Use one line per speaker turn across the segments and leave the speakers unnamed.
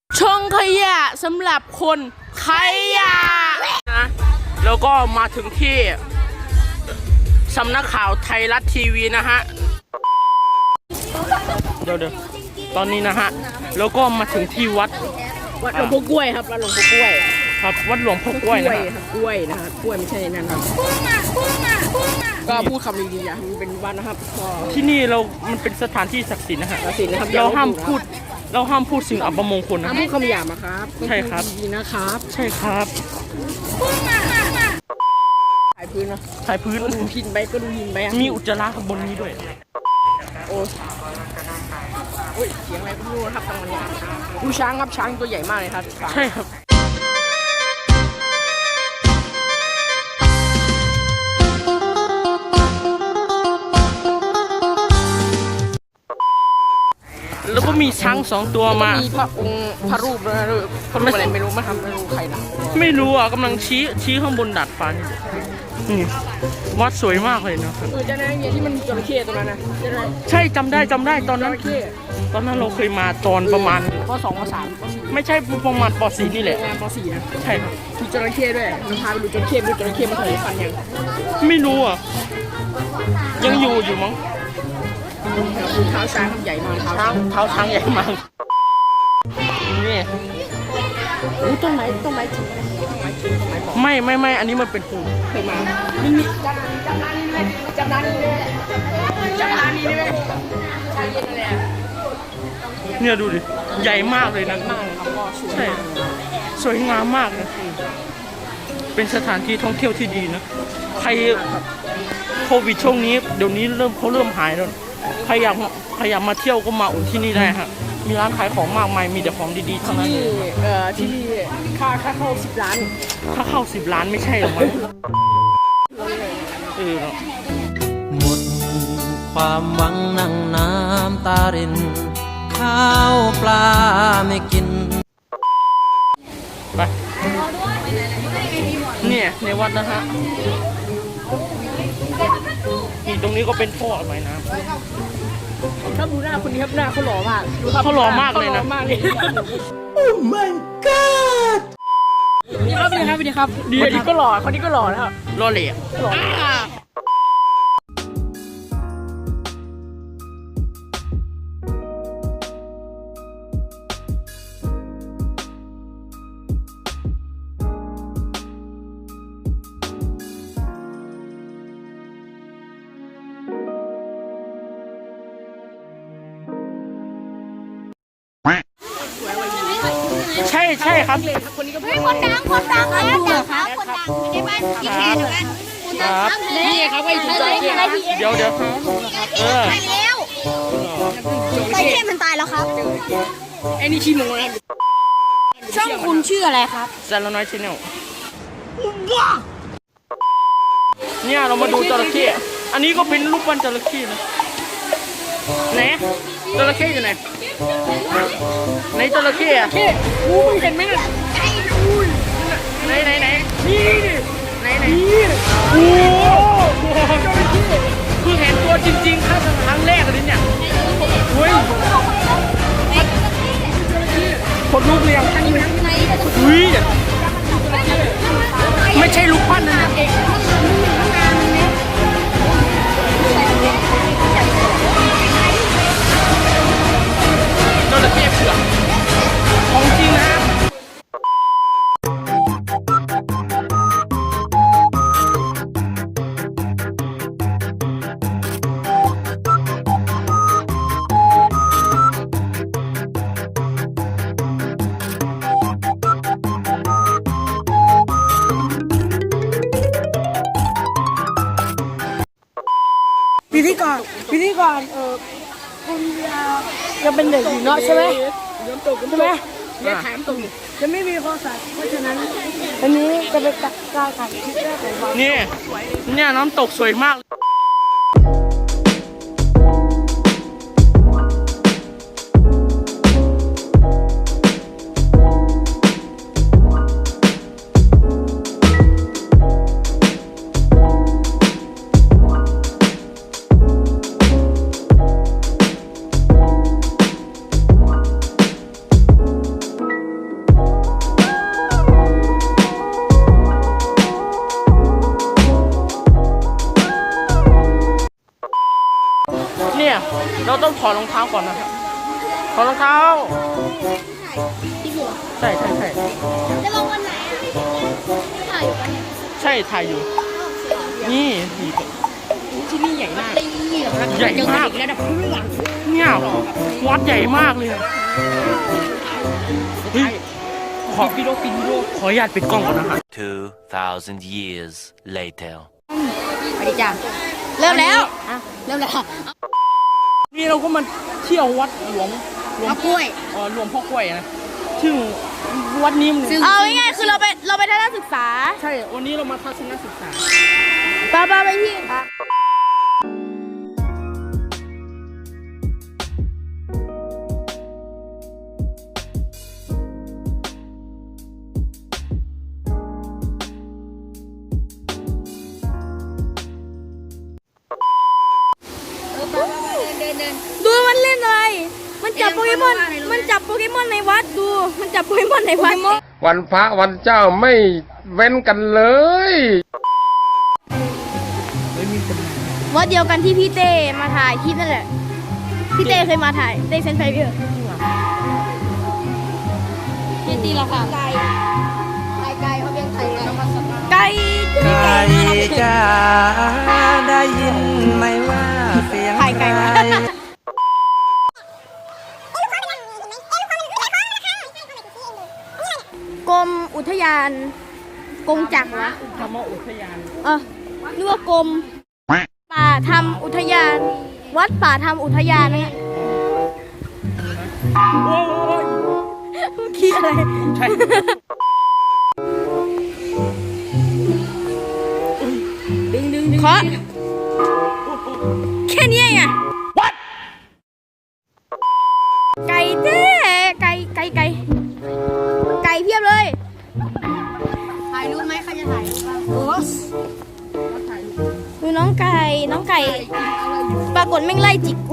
ช่องขยะสำหรับคนขยะนะแล้วก็มาถึงที่สำนักข่าวไทยรัฐทีวีนะฮะเดี๋ยวตอนนี้นะฮะแล้วก็มาถึงที่วัดหลวงพ่อกล้วยครับวัดหลวงพ่อกล้วยครับวัดหลวงพ่อกล้วยนะครับกล้วยนะครับกล้วยไม่ใช่นั่นครับก็พูดคำดีๆอย่ามันเป็นวัดนะครับที่นี่มันเป็นสถานที่ศักดิ์สิทธิ์นะฮะศักดิ์สิทธิ์นะครับเราห้ามพูดสิ่งอัปมงคลนะห้ามพูดคำหยาบนะครับใช่ครับดีนะครับใช่ครับถ่ายพื้นนะถ่ายพื้นดูหินไปก็ดูหินไปมีอุจจาระข้างบนนี้ด้วยโอ้ยเสียงอะไรก็ไม่รู้นะครับตรงนี้ดูช้างครับช้างตัวใหญ่มากเลยครับใช่ครับแล้วก็มีช้าง2 ตัวมามีพระองค์พระรูปนะพระรูปอะไรไม่รู้มาทำไม่รู้ใครนะไม่รู้อ่ะกำลังชี้ข้างบนดาดฟ้านี่วัดสวยมากเลยนะจะได้เนี่ยที่มันจระเข้ตรงนั้นนะใช่จำได้ตอนนั้นเราเคยมาตอนประมาณป.2 ป.3 ป.4ไม่ใช่ประมาณป.4นี่แหละป.4นะใช่ครับมีจระเข้ด้วยมันพาไปดูจระเข้ดูจระเข้มันเคยฟันยังไม่รู้อ่ะยังอยู่มั้งเท้าช้างใหญ่มากเท้าช้างใหญ่มากนี่ต้นไม้ไม่อันนี้มันเป็นภูเคยมามีจำนานนี่เลยใช่เย็นเลยเนี่ยดูดิใหญ่มากเลยนะใช่สวยงามมากนะเป็นสถานที่ท่องเที่ยวที่ดีนะใครโควิดช่วงนี้เดี๋ยวนี้เขาเริ่มหายแล้วใครอยากมาเที่ยวก็มาอุ่นที่นี่ได้ฮะมีร้านขายของมากมายมีแต่ของดีๆทั้งนั้นเลยที่ค่าเข้า10 ล้านค่าเข้า10 ล้านไม่ใช่หรอมั้ง
หมดความหวังนั่งน้ำตารินข้าวปลาไม่กิน
ไปเนี่ยในวัดนะฮะนี่ตรงนี้ก็เป็นท่อระบายน้ำถ้าดูหน้าคนนี้ครับหน้าเขาหล่อมากเขาหล่อมากเลยนะโอ้ my god นี่ครับดีก็หล่อคนนี้ก็หล่อนะครับหล่อเหลี่ยมใช่ครับคนนี้ก็คนดังครับคนดังอยู่ในบ้านพี่แขกเหมือนกันครับนี่ครับไอ้ถูกใจเดี๋ยวตายแล้วไอ้เข้มันตายแล้วครับไอ้นี่ชี้หมูนะช่องคุณชื่ออะไรครับซาลาน้อยชาแนลเนี่ยเรามาดูจระเข้อันนี้ก็เป็นรูปปั้นจระเข้นะไหนจระเข้อยู่ไหนจระเข้อะมึงเห็นไหมน่ะไหนนี่โอ้คือเห็นตัวจริงๆครั้งแรกเลยเนี่ยเฮ้ยคนลูกเลี้ยงอุ้ยไม่ใช่ลูกปั้นนะจระเข้เผือกของจริงนะพิธีกรคุณยังเป็นเด็กอยู่เนาะใช่ไหมเนี่ยถามตรงจะไม่มีโทรศัพท์เพราะฉะนั้นอันนี้จะเป็นการถ่ายคลิปแรกของเราเนี่ยน้ำตกสวยมากถอดรองเท้าก่อนนะครับถอดรองเท้า
ที่หัว
ใช่
จะลงวันไหนถ่ายอยู่ปะเนี่ย
ใช่ถ่ายอยู่นี่
ที่นี่ใหญ่มากนี่หรอ
ใหญ่มาก
ระดับเพื่อน
เนี่ยวัดใหญ่มากเลยเฮ้ยขอวิดีโอขออนุญาตปิดกล้องก่อนนะครับ
2,000 years later.
สวัสดีจ้าเริ่มแล้วเริ่มแล้ว
นี่เราก็มาเที่ยววัดหลวง
มะกล้วย
หลวงพ่อกล้วยนะซึ่งวัดนี้มัน
เอาง่ายๆคือเราไปทัศนศึกษา
ใช่วันนี้เรามาทัศนศึกษา
ไปที่ดูมันเล่นอะไรมันจับโปเกมอนในวัดดูมันจับโปเกมอนในวัด
วันพระวันเจ้าไม่เว้นกันเลย
วัดเดียวกันที่พี่เต้มาถ่ายคลิปนั่นแหละพี่เต้เคยมาถ่ายเต้เซนไฟเบอร์พี่ตีละค่ะไก่เขาเป็นไก่ไก่
ไก่จ้าได้ยินไหมว่าเสียงใคร
กรมอุทยานกงจักรวะ
ธรรมอุทยาน
นึกว่ากรมป่าทำอุทยาน วัดป่าทำอุทยานเนี่ย
โอ้ย
คิดอะไร
ใช่
เคาะแค่นี้ไงไก่เต้ไก่เพียบเลยถ่ายรูปไหมใครจะถ่ายรูปบ้างดูน้องไก่ปรากฏแม่งไล่จิกกู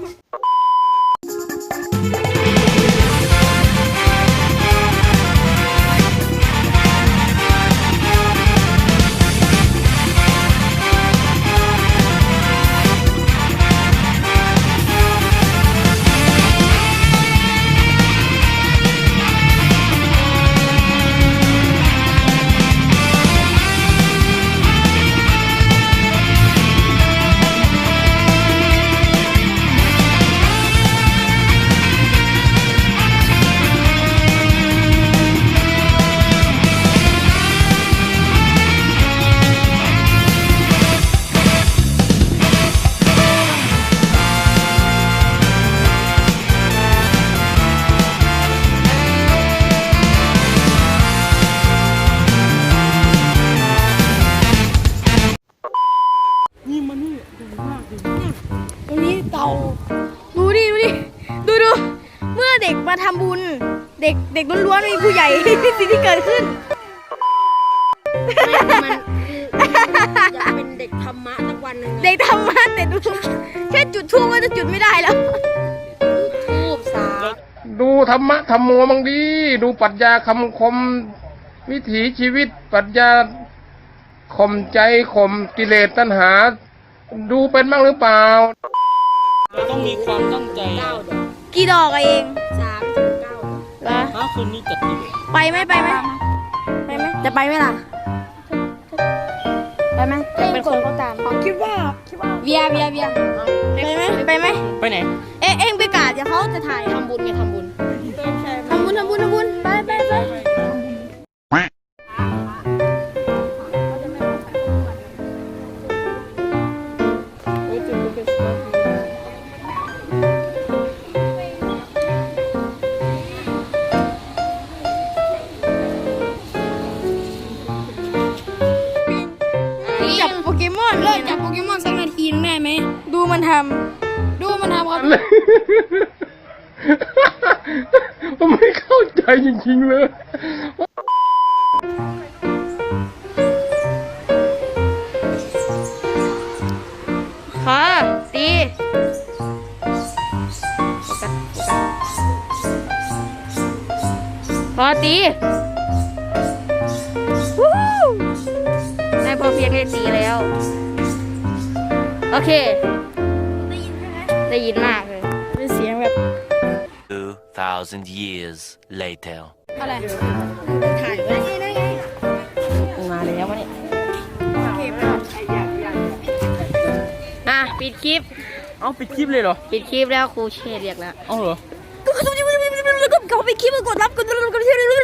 นี่มันนี่ใหญ่มากเลย
ตรงนี้เต่าดูดิเมื่อเด็กมาทำบุญเด็กล้วนๆไม่มีผู้ใหญ่ สิ่งที่เกิดขึ้นมันอยากเป็นเด็กธรรมะสักวันหนึ่งเด็กธรรมะแต่ดูแค่จุดทูบก็จะจุดไม่ได้แล้วทูบสา
ดูธรรมะธรรมโมบางดี ดูปรัชญาคำคมวิถีชีวิตปรัชญาข่มใจข่มกิเลสตัณหา ดูเป็นบ้างหรือเปล่า
เราต้องมีความตั้งใจ
กี่ดอกเอง
3-9
เหรอ
ถ้าคืนนี้จัดดี
ไปไหมจะไปไหมล่ะไปไหมจะเป็นคนเขาตามคิดว่าเบียร์ไปไหม
ไปไหน
เอ็งไปกาดเดี๋ยวเขาจะถ่ายทำบุญทำบุญไปจับโปเกมอนเลิกจับโปเกมอนสักนาทีนึงได้ไหมดูมันทำครับ
ผมไม่เข้าใจจริงๆเลย
ค่ะตีพอตีนายพอเพียงได้ตีแล้ว โอเค ได้ยินใช่ไหมได้ยินมากเลย
2,000 years later.
อะไรถ่ายไว้ได้ไงมาแล้ววะเนี่ยปิดคลิป
เอาปิดคลิปเลยเหรอ
ปิดคลิปแล้วครูเชษเรียกแล้ว
เอาเหรอ
เขาไปคลิปมากดรับกดรับ
ไม่ได้เล่น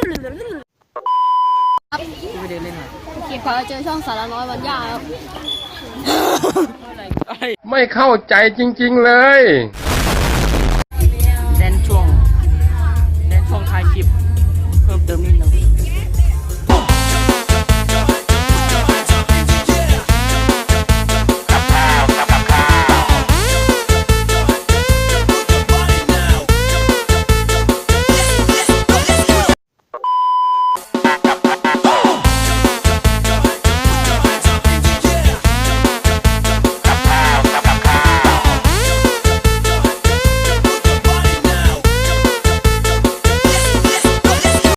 หรอ
คลิปพอเจอช่องสารน้อยวันยาแล้ว
ไม่เข้าใจจริงๆเลย